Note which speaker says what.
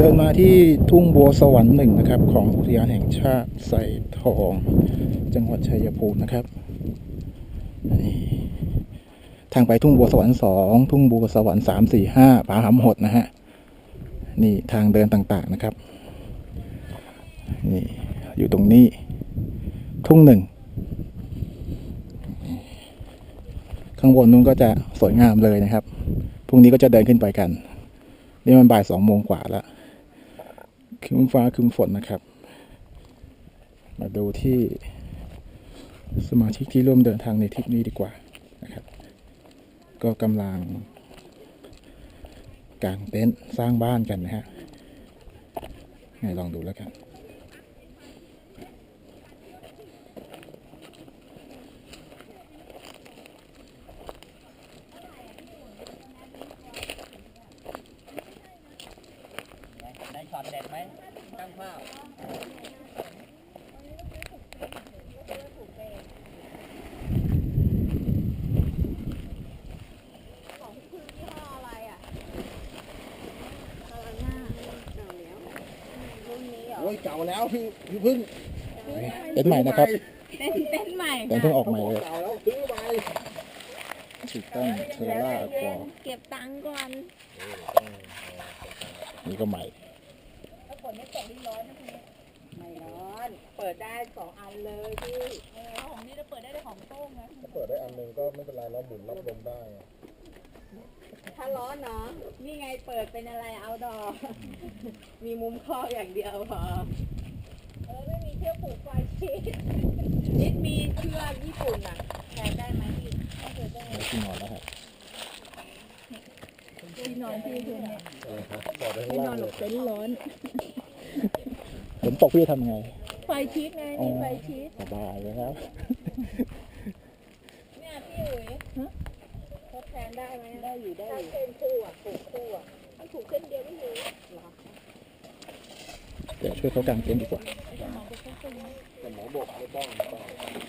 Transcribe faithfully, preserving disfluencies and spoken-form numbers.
Speaker 1: ดินมาที่ทุ่งบัวสวรรค์หนึ่งนะครับของอุทยานแห่งชาติไส่ทองจังหวัดชัยภูมินะครับนี่ทางไปทุ่งบัวสวรรค์สองทุ่งบัวสวรรค์สามสี่ห้าผาหำหดนะฮะนี่ทางเดินต่างๆนะครับนี่อยู่ตรงนี้ทุ่งหนึ่งข้างบนนู้นก็จะสวยงามเลยนะครับพรุ่งนี้ก็จะเดินขึ้นไปกันนี่มันบ่ายสองโมงกว่าแล้วครึ้มฟ้าครึ้มฝนนะครับมาดูที่สมาชิกที่ร่วมเดินทางในทริปนี้ดีกว่านะครับก็กำลังกางเต็นท์สร้างบ้านกันนะฮะไงลองดูแล้วกัน
Speaker 2: ได้ช็อตเด็ดไหมตั้งภาพ
Speaker 3: ของพี่พึ่งยี่ห้ออะไรอ่ะเออหน้าเก่าแล้วรุ่นนี้เหรอ
Speaker 2: โอ้ยเก่าแล้วพี่พี่พึ่ง
Speaker 1: เต็นท์ใหม่นะครับ
Speaker 3: เต้นเต้นใหม่
Speaker 1: เต็นท์เพิ่งออกใหม่เลย
Speaker 2: เก่าแล้วซื้อไป
Speaker 1: ถูกต้องเทอร่าอควา
Speaker 3: เก็บตังค์ก่อน
Speaker 1: นี่ก็ใหม่
Speaker 3: ถ้าฝนไม่ตกนี่ร้อนนะพี่ไม่ร้อน เปิดได้สองอันเลยพี่เออของนี่จะเปิดได้แต่ของโต้งนะ
Speaker 2: ถ้าเปิดได้อันหนึ่งก็ไม่เป็นไรแล้วหมุนรับลมได้
Speaker 3: ถ้าร้อนเนาะนี่ไงเปิดเป็นอะไรเอาดอมีมุมครอบอย่างเดียวพอเออไม่มีเชือกผูกไฟชีสนิดมีเชือกญี่ปุ่นอ่ะแทนได้ไหมพี่ถ้าเกิดได้
Speaker 1: ไม่ที่นอนแล้วครับ
Speaker 3: ที่นอนที่คืนเนี่ย
Speaker 2: ต่อได้
Speaker 3: ไม่
Speaker 2: ข้าง
Speaker 3: นอ
Speaker 2: ล่าน ง
Speaker 3: ห
Speaker 2: เล
Speaker 3: ล
Speaker 2: ย
Speaker 3: บเต็นท์ร้อน
Speaker 1: ฝนตกพี่จะทำไง
Speaker 3: ไฟชีสไงมีไฟชีส
Speaker 1: สบายเลยครับ
Speaker 3: เนี่ยพี่อุ๋ยทดแทนได้ไหมได้อยู่ได้อยู่ถ้าเส้นคู่อ่ะผูกคู่อ่ะมันผูกเส้นเดียวไม่อยู่เหรอ
Speaker 1: เดี๋ยวช่วยเขากางเต็นท์ดีกว่า
Speaker 2: แต่หมอบอกไม่ต้องไม่ต้อง